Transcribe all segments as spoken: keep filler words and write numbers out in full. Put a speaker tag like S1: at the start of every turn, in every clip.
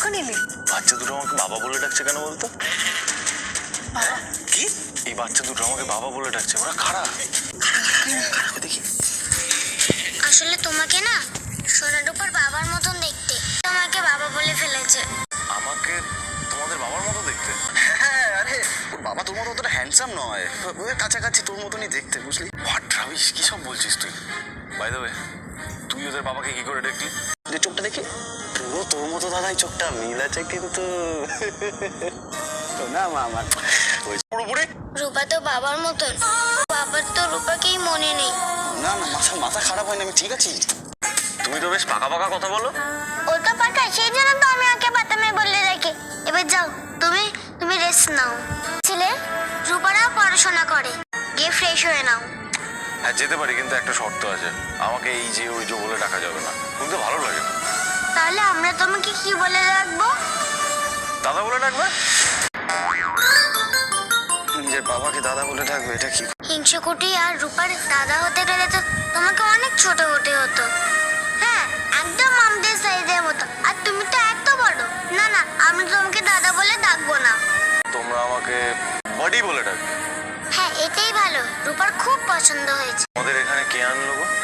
S1: কখন এলি?
S2: বাচ্চা দুটো আমাকে বাবা বলে ডাকছে কেন বলতো?
S1: বাবা?
S2: কি? এই বাচ্চা দুটো আমাকে বাবা বলে ডাকছে, ওরা কারা? দেখি।
S3: আসলে তোমাকে না সোনারূপার বাবার মতন দেখতে, তোমাকে বাবা বলে ফেলেছে।
S2: আমাকে তোমাদের বাবার মতো দেখতে?
S4: হ্যাঁ, আরে ওর বাবা তোর মতো অতটা হ্যান্ডসাম নয়, ওর কাছাকাছি তোর মতনই দেখতে, বুঝলি?
S2: হোয়াট রাবিশ, কি সব বলছিস তুই? বাই দ্য ওয়ে, তুই ওদের বাবাকে কি করে দেখলি?
S4: যে চোখটা দেখি পুরো তোর মতো দাদাই, চোখটা মিল আছে কিন্তু না মা আমার ওই
S2: পুরোপুরি
S3: রূপা তো বাবার মতন, বাবার তো রূপাকেই মনে নেই।
S4: না না মাথা মাথা খারাপ হয় না, আমি ঠিক আছি।
S2: তুমি তো বেশ পাকা পাকা কথা বলো।
S3: ও তো পাকা, সেই জন্য তো আমি ওকে বাতামে বলে রাখি। এবার যাও, তুমি তুমি রেস্ট নাও। ছেলে, রূপারাও পড়াশোনা করে, গিয়ে ফ্রেশ হয়ে নাও।
S2: হ্যাঁ যেতে পারি, কিন্তু একটা শর্ত আছে, আমাকে এই যে ওই যে বলে ডাকা যাবে না, শুনতে ভালো লাগে না।
S3: তাহলে আমরা তোমাকে কি বলে রাখবো?
S2: দাদা বলে ডাকবে?
S4: নিজের বাবাকে দাদা বলে ডাকবে, এটা কি?
S3: হিংসুকুটি আর রূপার দাদা হতে গেলে তো তোমাকে অনেক ছোট হতে হতো। হ্যাঁ, একদম আমাদের সাইজের মতো। আর তুমি তো এত বড়। না না, আমি তোমাকে দাদা বলে ডাকবো না।
S2: তোমরা আমাকে বডি বলে ডাকবে?
S3: হ্যাঁ, এটাই ভালো, রূপার খুব পছন্দ হয়েছে।
S2: আমাদের এখানে কে আনলো গো?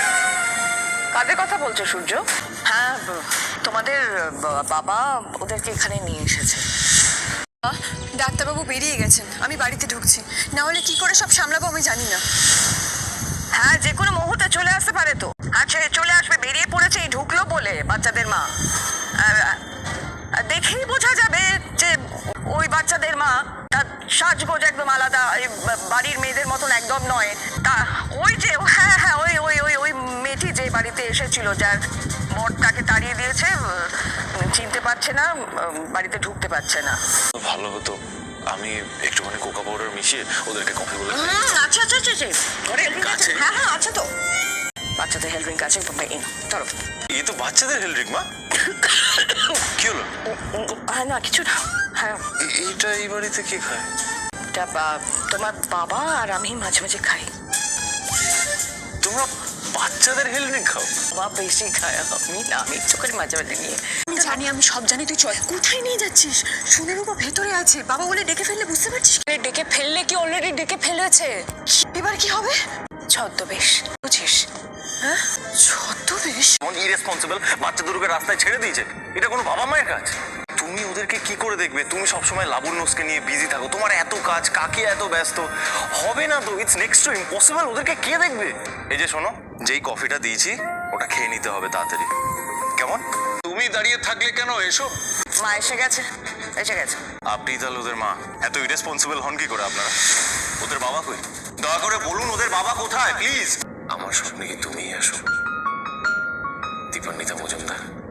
S1: কাদের কথা বলছো সূর্য? হ্যাঁ, তোমাদের বাবা ওদেরকে এখানে নিয়ে এসেছে।
S5: ডাক্তারবাবু বেরিয়ে গেছেন, আমি বাড়িতে ঢুকছি, না হলে কি করে সব সামলাবো আমি জানি না।
S1: হ্যাঁ, যে কোনো মুহূর্তে চলে আসতে পারে তো। আচ্ছা, চলে আসবে, বেরিয়ে পড়েছে এই ঢুকলো বলে বাচ্চাদের মা। আর, আর দেখেই বোঝা যাবে যে ওই বাচ্চাদের মা। তার সাজগোজ একদম আলাদা, এই বাড়ির মেয়েদের মতন একদম নয়। তা ওই যে হ্যাঁ হ্যাঁ ওই ওই ওই ওই মেয়েটি যে বাড়িতে এসেছিল, যার বর তাকে তাড়িয়ে দিয়েছে, চিনতে পারছে না, বাড়িতে ঢুকতে পারছে না।
S2: ভালো হতো আমি একটুখানি কোকা পাউডার মিশিয়ে ওদেরকে কফি বলে দিই।
S1: আচ্ছা আচ্ছা আচ্ছা আচ্ছা ঘরে হেলথ ড্রিঙ্ক আছে? হ্যাঁ হ্যাঁ আছে তো, বাচ্চাদের হেলথ ড্রিঙ্ক আছে, চলো।
S2: এই তো বাচ্চাদের হেলথ ড্রিঙ্ক মা। কি হলো?
S1: হ্যাঁ না কিছু না। হ্যাঁ,
S2: এ- এইটা এই বাড়িতে কে খায়?
S1: এটা বা- তোমার বাবা আর আমি মাঝে মাঝে খাই।
S2: তোমরা বাচ্চাদের হেলথ ড্রিঙ্ক খাও?
S1: বাবা বেশি খায়, আমি না, আমি একটু করে মাঝে মাঝে নিয়ে।
S5: আমি জানি, আমি সব জানি, তুই চল। কোথায় নিয়ে যাচ্ছিস? সোনারূপা ভেতরে আছে, বাবা বলে ডেকে ফেললে বুঝতে পারছিস?
S1: ডেকে ফেললে কি অলরেডি ডেকে ফেলেছে?
S5: এবার কি হবে?
S1: ছদ্মবেশ, বুঝিস?
S5: হ্যাঁ, ছদ্মবেশ?
S2: এমন ইরেসপন্সিবল বাচ্চা দুটোকে রাস্তায় ছেড়ে দিয়েছে, এটা কোনো বাবা মায়ের কাজ? তুমি ওদেরকে কি করে দেখবে? তুমি সবসময় লাবণ্যকে নিয়ে বিজি থাকো, তোমার এত কাজ, কাকে এত ব্যস্ত, হবে না তো, ইটস নেক্সট টু ইম্পসিবল। ওদেরকে কে দেখবে? এই যে শোনো, যেই কফিটা দিয়েছি ওটা খেয়ে নিতে হবে তাড়াতাড়ি, কেমন?
S4: তুমি দাঁড়িয়ে থাকলে কেন, এসো।
S1: মা এসে গেছে, এসে গেছে।
S2: আপনি তাহলে ওদের মা? এত ইরেসপন্সিবল হন কি করে আপনারা? ওদের বাবা কই? দয়া করে বলুন ওদের বাবা কোথায় প্লিজ। আমার স্বপ্নে কি তুমিই আসো, দীপান্বিতা মজুমদার?